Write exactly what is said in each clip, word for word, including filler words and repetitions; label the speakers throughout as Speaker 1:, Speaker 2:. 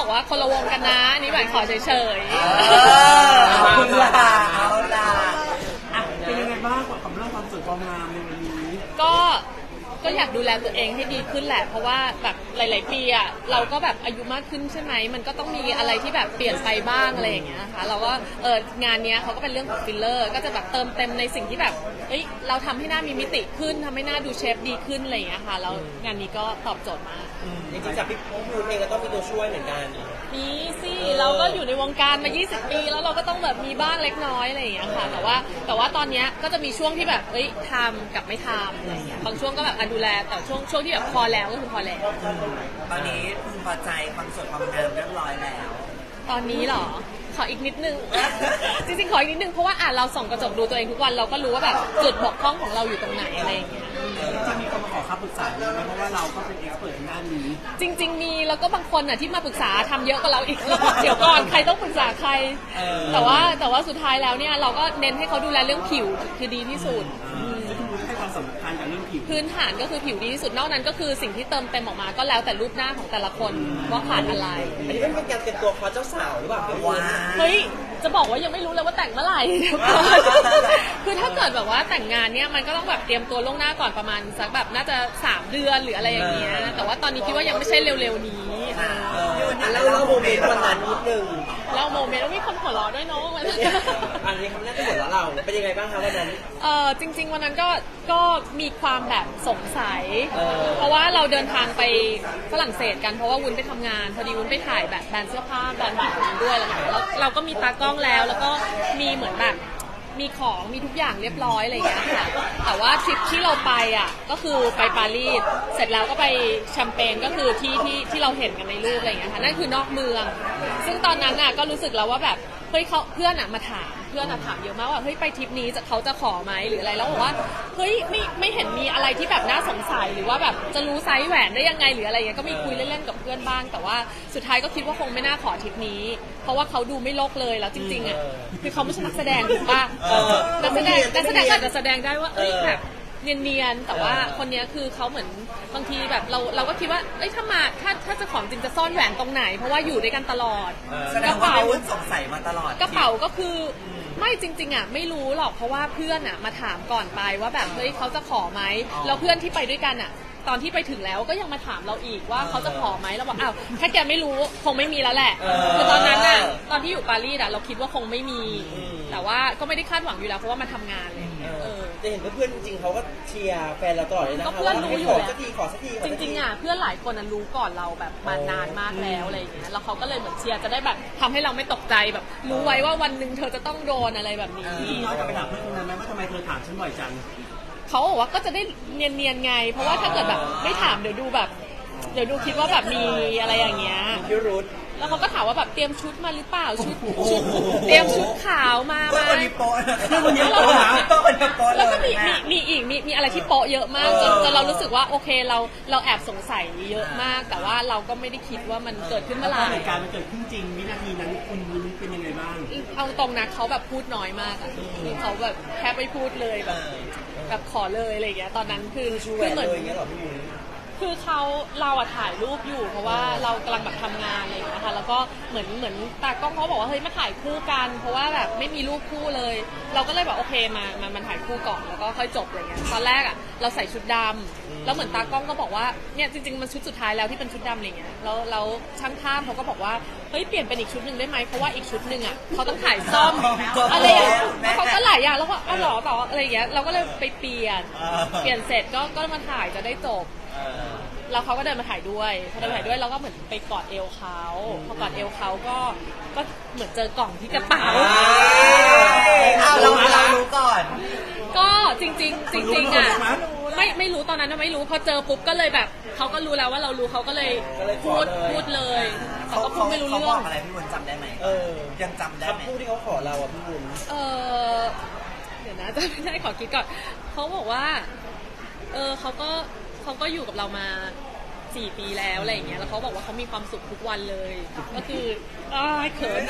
Speaker 1: บอกว่าคนละวงกันนะนี่หวานขอเฉย
Speaker 2: ๆขอบคุณค่ะเอาล่ะเป็นยังไงบ้างกับเรื่องความสวยความงามในวันนี้
Speaker 1: ก็ก็อยากดูแลตัวเองให้ดีขึ้นแหละเพราะว่าแบบหลายๆปีอ่ะเราก็แบบอายุมากขึ้นใช่ไหมมันก็ต้องมีอะไรที่แบบเปลี่ยนไปบ้างอะไรอย่างเงี้ยค่ะเราก็เอองานเนี้ยเขาก็เป็นเรื่องของฟิลเลอร์ก็จะแบบเติมเต็มในสิ่งที่แบบเอ้ยเราทำให้หน้ามีมิติขึ้นทำให้หน้าดูเชฟดีขึ้นอะไรอย่างเงี้ยค่ะแล้วงานนี้ก็ตอบโจทย์มาก
Speaker 3: จริงๆจากพี่พูดเองก็ต้องมีตัวช่วยเหมือนกัน
Speaker 1: มีสิเราก็อยู่ในวงการมายี่สิบปีแล้วเราก็ต้องแบบมีบ้างเล็กน้อยอะไรอย่างเงี้ยค่ะแต่ว่าแต่ว่าตอนเนี้ยก็จะมีช่วงที่แบบเอ้ยทำกับไม่ทำอะไรอย่างเงี้ยบางช่วงก็แบบดูแลแต่ช่วงช่วงที่แบบพอแล้วก็คือพอแล้ว
Speaker 2: ตอนนี้พึงพอใจความสวยความงามเรียบร้อยแล้ว
Speaker 1: ตอนนี้เหรอขออีกนิดนึง จริงๆขออีกนิดนึงเพราะว่าอ่ะเราส่องกระจกดูตัวเองทุกวันเราก็รู้ว่าแบบจุดบกพร่องของเราอยู่ตรงไหนอะไรอย่างเงี้ย
Speaker 2: จะมีคนมาขอคำปรึกษาไหมเพราะว่าเราก็เป็นเอ็กซ์เพิร์ทในด้านนี้
Speaker 1: จริงๆมีแล้วก็บางคนอ่ะที่มาปรึกษาทำเยอะกว่าเราอีกแล้วเดี๋ยวก่อนใครต้องปรึกษาใครแต่ว่าแต่ว่าสุดท้ายแล้วเนี่ยเราก็เน้นให้เขาดูแลเรื่องผิวคือดีที่สุด
Speaker 2: ให้ความสำคัญกับเรื่องผิว
Speaker 1: พื้นฐานก็คือผิวดีที่สุดนอกนั้นก็คือสิ่งที่เติมเต็มออกมาก็แล้วแต่รูปหน้าของแต่ละคนว่าขาดอะไร
Speaker 3: อันนี้เป็นการเตรียมตัวคอเจ้าสาวหรือเปล่า
Speaker 2: ว้า
Speaker 1: เฮ้ยจะบอกว่ายังไม่รู้เลยว่าแต่งเมื่อไหร่คือถ้าเกิดแบบว่าแต่งงานเนี่ยมันก็ต้องแบบเตรียมตัวล่วงหน้าก่อนประมาณสักแบบน่าจะสามเดือนหรืออะไรอย่างเงี้ยแต่ว่าตอนนี้คิดว่ายังไม่ใช่เร็วๆนี้
Speaker 3: แล้วเล่าโมเมนต์วันนั้นนิดนึง
Speaker 1: เล่าโมเมนต์แล้วมีคนหัวเราะด้วยเนาะ
Speaker 3: อันนี้คำแรกที่หัวเราะเราเป็นยังไงบ้างคะวันนั้น
Speaker 1: เออจริงๆวันนั้นก็ก็มีความแบบสงสัยเพราะว่าเราเดินทางไปฝรั่งเศสกันเพราะว่าวุ้นไปทำงานพอดีวุ้นไปถ่ายแบบแบรนด์เสื้อผ้าแบรนด์แบบนั้นด้วยแล้วเราก็มีตากล้องแล้วแล้วก็มีเหมือนแบบมีของมีทุกอย่างเรียบร้อยอะไรอย่างเงี้ยค่ะแต่ว่าทริปที่เราไปอ่ะก็คือไปปารีสเสร็จแล้วก็ไปแชมเปญก็คือที่ที่ที่เราเห็นกันในรูปอะไรอย่างเงี้ยค่ะนั่นคือนอกเมืองซึ่งตอนนั้นอ่ะก็รู้สึกแล้วว่าแบบเฮ้ยเขาเพื่อนอ่ะมาถามเพื่อนอ่ะถามเยอะมากว่าเฮ้ยไปทริปนี้จะเขาจะขอไหมหรืออะไรแล้วบอกว่าเฮ้ยไม่ไม่เห็นมีอะไรที่แบบน่าสงสัยหรือว่าแบบจะรู้ไซส์แหวนได้ยังไงหรืออะไรเงี้ยก็มีคุยเล่นๆกับเพื่อนบ้างแต่ว่าสุดท้ายก็คิดว่าคงไม่น่าขอทริปนี้เพราะว่าเขาดูไม่โลกเลยแล้วจริงๆอ่ะคือเขาไม่ใช่นักแสดงถูกป่ะนักแสดงนักแสดงก็จะแสดงได้ว่าเอ้ยแบบเนียนๆแต่ว่าคนนี้คือเขาเหมือนบางทีแบบเราเราก็คิดว่าเอ้ยถ้ามาถ้าถ้าจะของจริงจะซ่อนแหวนตรงไหนเพราะว่าอยู่ด้วยกันตลอด
Speaker 2: กระเป๋าสงสัยมาตลอด
Speaker 1: กระเป๋าก็คือไม่จริงๆอ่ะไม่รู้หรอกเพราะว่าเพื่อนอ่ะมาถามก่อนไปว่าแบบเฮ้ยเขาจะขอไหมแล้วเพื่อนที่ไปด้วยกันอ่ะตอนที่ไปถึงแล้วก็ยังมาถามเราอีกว่าเขาจะขอไหมเราบอกอ้าวถ้าแกไม่รู้คงไม่มีแล้วแหละคือตอนนั้นอ่ะตอนที่อยู่ปารีสอ่ะเราคิดว่าคงไม่มีแต่ว่าก็ไม่ได้คาดหวังอยู่แล้วเพราะว่ามาทำงานเลย
Speaker 3: จะเห็นเพื่อนจริงๆเขาก็เชียร์แฟนเราตลอดเลยนะ
Speaker 1: ก็เพื่อนรู้อยู่แล้ว
Speaker 3: ขอสักทีขอสักที
Speaker 1: จริงๆอ่ะเพื่อนหลายคนรู้ก่อนเราแบบมานานมากแล้วอะไรอย่างเงี้ยแล้วเขาก็เลยเหมือนเชียร์จะได้แบบทำให้เราไม่ตกใจแบบรู้ไว้ว่าวันหนึ่งเธอจะต้องโดนอะไรแบบนี้
Speaker 2: น้อยกลับไปถามเพื่อนคนนั้นไหมว่าทำไมเธอถามฉันบ่อยจัง
Speaker 1: เขาบอกว่าก็จะได้เนียนๆไงเพราะว่าถ้าเกิดแบบไม่ถามเดี๋ยวดูแบบเดี๋ยวดูคิดว่าแบบมีอะไรอย่างเงี้ย
Speaker 3: พิรุธ
Speaker 1: แล้วเขาก็ถามว่าแบบเตรียมชุดมาหรือเปล่าชุดชุดเตรียมชุดขาวมาไหม
Speaker 2: วันนี้โป๊ะวันนี้โป๊ะนะวันนี้โป๊ะ
Speaker 1: แล้วก็มีมีมีอีกมีมีอะไรที่โป๊ะเยอะมากจนจนเรารู้สึกว่าโอเคเราเราแอบสงสัยเยอะมากแต่ว่าเราก็ไม่ได้คิดว่ามันเกิดขึ้นเมื่อไหร่
Speaker 2: เหตุการณ์มันเกิดขึ้นจริงวินาทีนั้นคุณวุ้นเป็นยังไงบ้าง
Speaker 1: เอาตรงนะเขาแบบพูดน้อยมากอ่ะคือเขาแบบแค่ไม่พูดเลยแบบแบบขอเลยอะไรอย่างเงี้ยตอนนั้นคือ
Speaker 3: คือเหมือน
Speaker 1: คือเขาเราอะถ่ายรูปอยู่เพราะว่าเรากำลังแบบทำงานอะไรอย่างเงี้ยค่ะแล้วก็เหมือนเหมือนตากล้องเขาบอกว่าเฮ้ยมาถ่ายคู่กันเพราะว่าแบบไม่มีรูปคู่เลยเราก็เลยแบบโอเคมามามันถ่ายคู่ก่อนแล้วก็ค่อยจบอะไรเงี้ยตอนแรกอะเราใส่ชุดดำแล้วเหมือนตากล้องก็บอกว่าเนี่ยจริงๆมันชุดสุดท้ายแล้วที่เป็นชุดดำอะไรเงี้ยแล้วแล้วช่างภาพเขาก็บอกว่าเฮ้ยเปลี่ยนเป็นอีกชุดหนึ่งได้ไหมเพราะว่าอีกชุดหนึ่งอะเขาต้องถ่ายซ่อมอะไรอย่างเงี้ยเขาก็หลายอย่างแล้วก็อ๋อหรอต่ออะไรเงี้ยเราก็เลยไปเปลี่ยนเปลี่ยนเสร็จก็ก็มาถ่ายจะได้จบแล้วเขาก็เดินมาถ่ายด้วยพอเดินมาถ่ายด้วยเราก็เหมือนไปกอดเอวเขาพอกอดเอวเขาก็ก็เหมือนเจอกล่องที่กระเป๋า
Speaker 2: เราเรารู้ก่อน
Speaker 1: ก็จริงจริงจริงๆอ่ะไม่ไม่รู้ตอนนั้นไม่รู้พอเจอปุ๊บก็เลยแบบเขาก็รู้แล้วว่าเรารู้เขาก็เลยพูดพูดเลยเขาก็พูดไม่รู้เรื่อง
Speaker 2: อะไรพี่วุ้นจำได้ไหมเออยังจำได้ไหม
Speaker 3: คำพูดที่เขาขอเราอ่ะพี่วุ้น
Speaker 1: เออเดี๋ยวนะจะไม่ได้ขอคิดก่อนเขาบอกว่าเออเขาก็เขาก็อยู่กับเรามาสี่ปีแล้วอะไรอย่างเงี้ยแล้วเขาบอกว่าเขามีความสุขทุกวันเลยก็คืออ้ายเขิน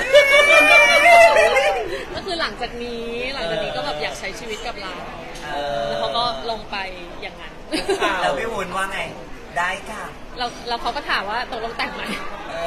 Speaker 1: ก็คือหลังจากนี้หลังจากนี้ก็แบบอยากใช้ชีวิตกับเราแล้วเขาก็ลงไปอย่างนั้น
Speaker 2: แล้วพี่วุ้นว่าไงได้ค่ะ
Speaker 1: เราเราเขาก็ถามว่าตกลงแต่งไหม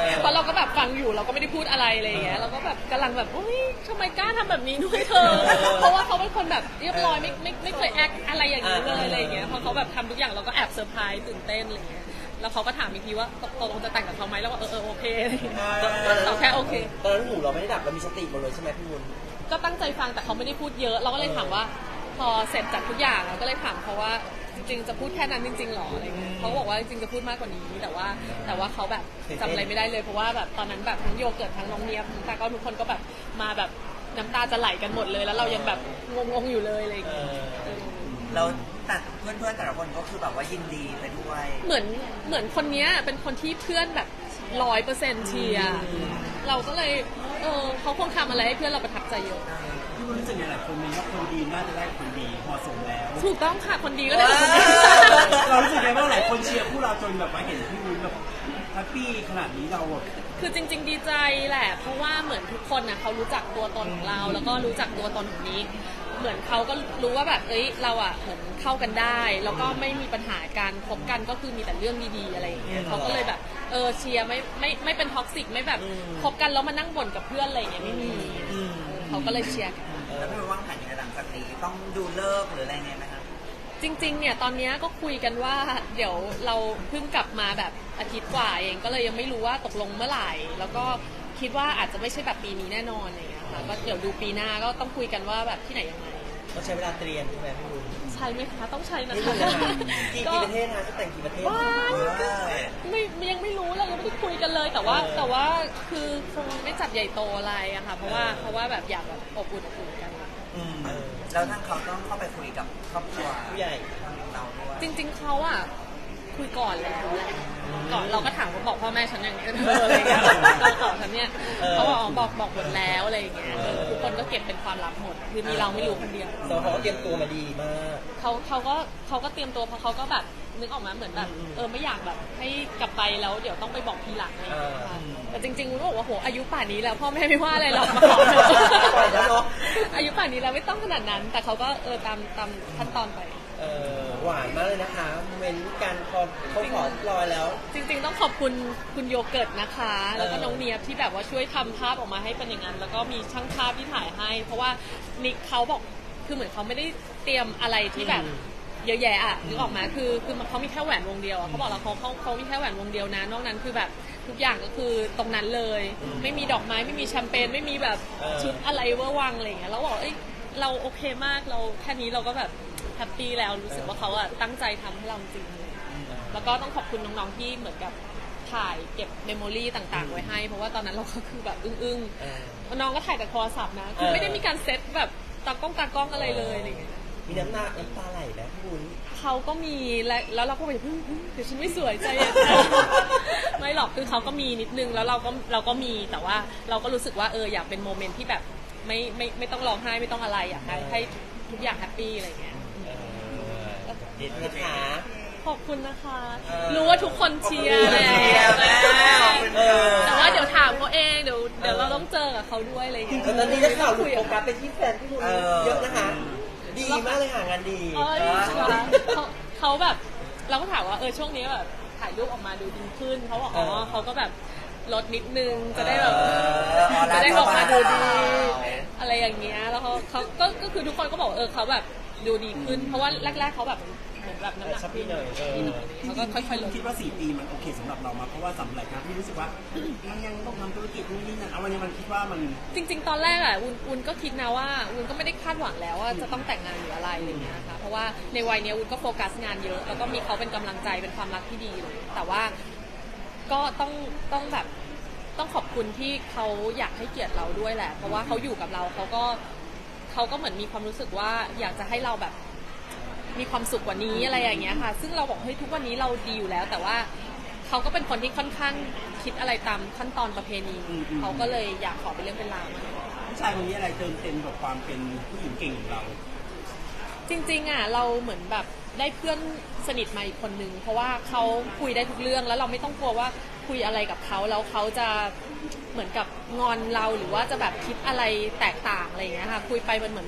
Speaker 1: เพราะเราก็แบบฟังอยู่เราก็ไม่ได้พูดอะไรอะไรอย่างเงี้ยเราก็แบบกำลังแบบเฮ้ยทำไมกล้าทำแบบนี้ด้วยเธอเพราะว่าเขาเป็นคนแบบเรียบร้อยไม่ไม่ไม่เคยแอคอะไรอย่างนี้เลยอะไรอย่างเงี้ยพอเขาแบบทำทุกอย่างเราก็แอบเซอร์ไพรส์ตื่นเต้นอะไรอย่างเงี้ยแล้วเขาก็ถามอีกทีว่าตกลงจะแต่งกับเขาไหมแล้วก็เออเออโอเคเราแค่โอเค
Speaker 3: ตอนนั้นหูเราไม่ได้ดับเรามีสติหมดเลยใช่ไหมพี่วุ้น
Speaker 1: ก็ตั้งใจฟังแต่เขาไม่ได้พูดเยอะเราก็เลยถามว่าพอเสร็จจากทุกอย่างเราก็เลยถามเขาว่าจริงๆจะพูดแค่นั้นจริงๆหรออะไรเงี้ยเขาบอกว่าจริงๆจะพูดมากกว่านี้แต่ว่าแต่ว่าเขาแบบจำอะไรไม่ได้เลยเพราะว่าแบบตอนนั้นแบบทั้งโยเกิร์ตทั้งน้องเนียบทั้งตาก็ทุกคนก็แบบมาแบบน้ำตาจะไหลกันหมดเลยแล้วเรายังแบบงงๆอยู่เลยอะไรเงี้ย
Speaker 4: เราแต่เพื่อนๆแต่ละคนก็คือแบบว่ายินดีไปด้วย
Speaker 1: เหมือนเหมือนคนเนี้ยเป็นคนที่เพื่อนแบบร้อยเปอร์เซ็นต์เชียร์เราก็เลยเออเขาคงทำอะไรให้เพื่อนเราประทับใจเยอะ
Speaker 2: พี่วุ้นรู้สึกยังไงหลายคนมองว่าคนดีน่าจะได้คนดีเหมาะสมแล้ว
Speaker 1: ถูกต้องค่ะคนดีก็ได้คนดี
Speaker 2: เรารู้สึกไงบ้างหลายคนเชียร์คู่เราจนแบบว่าเห็นพี่วุ้นแบบแฮปปี้ขนาดนี้เราแบบ
Speaker 1: คือจริง ๆ ดีใจแหละเพราะว่าเหมือนทุกคนนะเขารู้จักตัวตนของเรา แล้วก็รู้จักตัวตนของนี้เหมือนเขาก็รู้ว่าแบบเอ้ยเราอ่ะเหมือนเข้ากันได้แล้วก็ไม่มีปัญหาการคบกันก็คือมีแต่เรื่องดีๆอะไรอย่างเงี้ยเขาก็เลยแบบเออเชียร์ไม่ไม่ไม่เป็นท็อกซิกไม่แบบคบกันแล้วมานั่งบ่นกับเพื่อนอะไรอย่างเงี้ยไม่มีเขาก็เลยเชียร์กัน
Speaker 4: แล้วพี่วางแผนยังไงหลังจากนี้ต้องดูเลิกหรืออะไรไงไหมครับ
Speaker 1: จริงๆ เนี่ยตอนนี้ก็คุยกันว่าเดี๋ยวเราเพิ่งกลับมาแบบอาทิตย์กว่าเองก็เลยยังไม่รู้ว่าตกลงเมื่อไหร่ แล้วก็คิดว่าอาจจะไม่ใช่แบบปีนี้แน่นอนอะไรอย่างเงี้ยค่ะก็เดี๋ยวดูปีหน้าก็ต้องคุยกันว่าแบบที่ไหนยังไง
Speaker 3: ต้องใช้เวลาเตรียมใช่ไหมพี่วุ้น
Speaker 1: ใช่ไหมคะต้องใช้นะ
Speaker 3: นี่
Speaker 1: คะ
Speaker 3: กี่
Speaker 1: ก็
Speaker 3: กี่ประเทศนะจะแต่งกี่ประเทศ
Speaker 1: ว้ายไม่ยังไม่รู้เรายังไม่ได้คุยกันเลยแต่ว่าแต่ว่าคือคงไม่จัดใหญ่โตอะไรอะค่ะเพราะว่าเพราะว่าแบบอยากแบบอบอุ่นอบอุ่นกัน
Speaker 4: อืมแล้วทางเขาต้องเข้าไปคุยกับครอบครัว
Speaker 3: ผู้ใหญ่
Speaker 4: เราด้วย
Speaker 1: จริง ๆเขาอะคุยก่อนแล้วแหละก่อนเราก็ถามว่าบอกพ่อแม่ฉันอย่างเงี้ยเอออะไรเงี้ยเราบอกฉันเนี่ยเขาบอกอ๋อบอกบอกหมดแล้วอะไรอย่างเงี้ยเออทุกคนก็เก็บเป็นความลับหมดคือมีเราไม่รู้คนเดียว
Speaker 3: สองเขาก็เตรียมตัวมาดีมาก
Speaker 1: เขาเขาก็เขาก็เตรียมตัวเพราะเขาก็แบบนึกออกมาเหมือนแบบเออไม่อยากแบบให้กลับไปแล้วเดี๋ยวต้องไปบอกทีหลังอะไรอย่างเงี้ยค่ะแต่จริงๆวุ้นบอกว่าโหอายุป่านนี้แล้วพ่อแม่ไม่ว่าอะไรหรอกมาขอเถอะ
Speaker 3: ปล่อยแล้วเนอะ
Speaker 1: อายุป่านนี้แล้วไม่ต้องขนาดนั้น แต่เขาก็เออตามตามขั้นตอนไป
Speaker 3: เออหวานมากเลยนะคะเว้นการพอเขาขอรอยแล้ว
Speaker 1: จริงๆต้องขอบคุณคุณโยเกิร์ตนะคะ แล้วก็น้องเนียบที่แบบว่าช่วยทำภาพออกมาให้เป็นอย่างนั้นแล้วก็มีช่างภาพที่ถ่ายให้ เพราะว่านิกเขาบอกคือเหมือนเขาไม่ได้เตรียมอะไรที่แบบเยอะแยะอ่ะนึกออกมาคือคือเขามีแค่แหวนวงเดียวอะเขาบอกแล้วเขาเขาเขามีแค่แหวนวงเดียวนะนอกนั้นคือแบบทุกอย่างก็คือตรงนั้นเลย ไม่มีดอกไม้ไม่มีแชมเปญไม่มีแบบชุดอะไรเวอร์วังอะไรอย่างเงี้ยแล้วบอกเอ้ยเราโอเคมากเราแค่นี้เราก็แบบแฮปปี้แล้วรู้สึกว่าเขาอะตั้งใจทำให้เราจริงเลยแล้วก็ต้องขอบคุณน้องๆที่เหมือนกับถ่ายเก็บเมมโมรี่ต่างๆไว้ให้เพราะว่าตอนนั้นเราก็คือแบบอึ้งๆน้องก็ถ่ายแต่โทรศัพท์นะคือไม่ได้มีการเซตแบบตากล้องตากล้องอะไรเลยอะไรอย่างเงี้ย
Speaker 3: มีน้ำหน้าน้ำตาไหลนะพี่วุ้น
Speaker 1: เขาก็มีและแล้วเราก็ไปพึ่งเดี๋ยวฉันไม่สวยใจเย็น ไม่หรอกคือเขาก็มีนิดนึงแล้วเราก็เราก็มีแต่ว่าเราก็รู้สึกว่าเอออยากเป็นโมเมนต์ที่แบบไม่ไม่ไม่ต้องร้องไห้ไม่ต้องอะไรอยากให้ให้ทุกอย่างแฮปปี้อะไรอย่างเงี้ย
Speaker 3: เด็ดนะคะ
Speaker 1: ขอบคุณนะคะ รู้ว่าทุกคนเชียร์แหละ
Speaker 3: เออ
Speaker 1: แต่ว่าเดี๋ยวถามเขาเองเดี๋ยวเดี๋ยวเราต้องเจอกับเขาด้วยอะไรอย่างเงี้ย
Speaker 3: แต่ตอนนี้นักข่าวหลุดโฟกัสไปที่แฟนพี่วุ้นเยอะนะคะดีมากเลยค่ะงานดี
Speaker 1: เอ้ยเขาเขาแบบเราก็ถามว่าเออช่วงนี้แบบถ่ายรูปออกมาดูดีขึ้นเขาบอกอ๋อเขาก็แบบลดนิดนึงจะได้แบบจะได้ออกมาดูดีอะไรอย่างเงี้ยแล้วเขาเขาก็ก็คือทุกคนก็บอกเออเขาแบบดูดีขึ้นเพราะว่าแรกๆเขาแบบเหมือนแบบน้ำหนัก
Speaker 3: ชับพี่หน่อยเออ
Speaker 1: เขาก็ค่อยๆลด
Speaker 2: คิดว่าสี่ปีมันโอเคสำหรับเรามาเพราะว่าสำหรับหลายครั้งที่รู้สึกว่ามันยังต้องทำธุรกิจนู่นนี่นั่นเอาวันนี้มันคิดว่ามัน
Speaker 1: จริงๆ ตอนแรกอ่ะวุ้นวุ้นก็คิดนะว่าวุ้นก็ไม่ได้คาดหวังแล้วว่าจะต้องแต่งงานหรืออะไรอะไรเงี้ยนะคะเพราะว่าในวัยเนี้ยวุ้นก็โฟกัสงานเยอะแล้วก็มีเขาเป็นกำลังใจเป็นความรักที่ดีเลยแต่ว่าก็ต้องต้องแบบต้องขอบคุณที่เขาอยากให้เกียรติเราด้วยแหละ เพราะว่าเขาอยู่กับเราเขาก็เขาก็เหมือนมีความรู้สึกว่าอยากจะให้เราแบบมีความสุขกว่านี้อะไรอย่างเงี้ยค่ะซึ่งเราบอกเฮ้ยทุกวันนี้เราดีอยู่แล้ว แต่ว่าเขาก็เป็นคนที่ค่อนข้างคิดอะไรตามขั้นตอนประเพณีเขาก็เลยอยากขอเป็นเรื่องเป็นราวมาก
Speaker 2: ผู้ชายคนนี้อะไรเติมเต็มกับความเป็นผู้หญิงเก่งของเรา
Speaker 1: จริงๆอ่ะเราเหมือนแบบได้เพื่อนสนิทมาอีกคนนึงเพราะว่าเขาคุยได้ทุกเรื่องแล้วเราไม่ต้องกลัวว่าคุยอะไรกับเขาแล้วเขาจะเหมือนกับงอนเราหรือว่าจะแบบคิดอะไรแตกต่างอะไรอย่างเงี้ยค่ะคุยไปมันเหมือนแบบ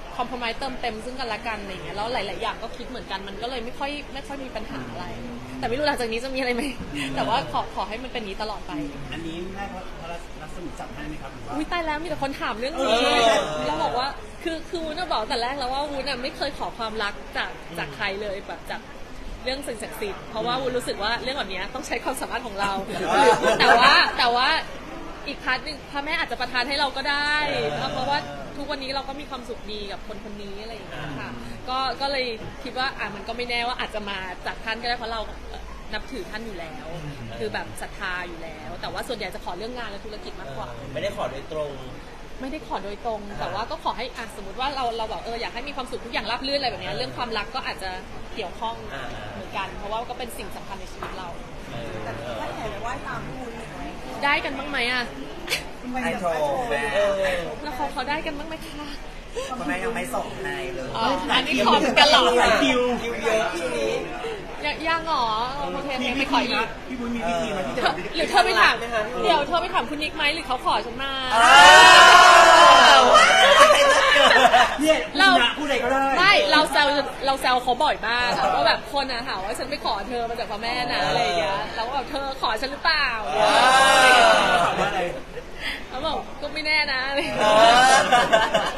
Speaker 1: คอมเพลมไเติมเต็มซึ่งกันและกันอะไรอย่างเงี้ยแล้วหลาย ๆ อย่างก็คิดเหมือนกันมันก็เลยไม่ค่อยไม่ค่อยมีปัญหาอะไร แต่ไม่รู้หลังจากนี้จะมีอะไรไหมแต่ว่าขอขอให้มันเป็นนี้ตลอดไป
Speaker 2: อันนี้แม่พระรัศมีจับให้ไหมครับหรือว่า
Speaker 1: อุ้ยตายแล้วมีแต่คนถามเรื่องนี้
Speaker 2: เออ
Speaker 1: เราบอกว่าคือคือวุ้นจะบอกแต่แรกแล้วว่าวุ้นอะไม่เคยขอความรักจากจากใครเลยแบบจากเรื่องสิ่งศักดิ์สิทธิ์เพราะว่าวุ้นรู้สึกว่าเรื่องแบบนี้ต้องใช้ความสามารถของเรา แต่ว่าแต่ว่าอีกพาร์ทหนึงพระแม่อาจจะประทานให้เราก็ได้เพราะว่าทุกวันนี้เราก็มีความสุขดีกับคนคนนี้อะไรอย่างเงี้ยค่ะก็ก็เลยคิดว่าอ่ะมันก็ไม่แน่ว่าอาจจะมาจากท่านก็ได้เพราะเรานับถือท่านอยู่แล้ว คือแบบศรัทธาอยู่แล้ว แต่ว่าส่วนใหญ่จะขอเรื่องงานและธุรกิจมากกว่า
Speaker 3: ไม่ได้ขอโดยตรง
Speaker 1: ไม่ได้ขอโดยตรง แต่ว่าก็ขอให้อ่ะสมมติว่าเราเราแบบเอออยากให้มีความสุขทุกอย่างราบรื่นอะไรแบบเนี้ยเรื่องความรักก็อาจจะเกี่ยวข้อง
Speaker 3: อ่า
Speaker 1: เหมือนกัน เพราะว่าก็เป็นสิ่งสำคัญในชีวิตเรา
Speaker 5: แต่ถ้าแห่ไปไหว้ตามพี่วุ้นไหม
Speaker 1: ได้กันบ้างไหมอ่ะ
Speaker 4: ไอโทรแม่
Speaker 3: เออ
Speaker 1: แล้วเขาเขาได้กันบ้างไหมคะ
Speaker 4: คุณแม่ยังไม่ส่งให้เลย
Speaker 1: อ๋ออันนี้ขอเหมือนกันเหรอ
Speaker 2: หลายคิว
Speaker 3: คิวเยอะคิวนี้
Speaker 1: ยังยังเหรอโอเค
Speaker 2: มี
Speaker 1: ไป
Speaker 2: วิ
Speaker 1: ขอ
Speaker 2: ธี
Speaker 1: อี
Speaker 2: นะ
Speaker 1: ก
Speaker 2: พี่บุญมีวิธีมาที่จะ
Speaker 1: หรือเธอไปถามเดี๋ยวเธอไปถามคุณนิกไหมหรือเขาขอฉันมา
Speaker 2: เนี่ย
Speaker 1: เรา
Speaker 2: พูดอะไรก็ได้
Speaker 1: ไม่เราแซวเราแซวเขาบ่อยมากอะว่าแบบคนอะถามว่าฉันไปขอเธอมาจากพ่อแม่นะอะไรอย่างเงี้ยเราก็แบบเธอขอฉันหรือเปล่า
Speaker 2: ถามว่าอะไร
Speaker 1: เขาบอกก็ไม่แน่นะอะไรอย่าง
Speaker 3: เอ
Speaker 1: เงี้ย
Speaker 3: อ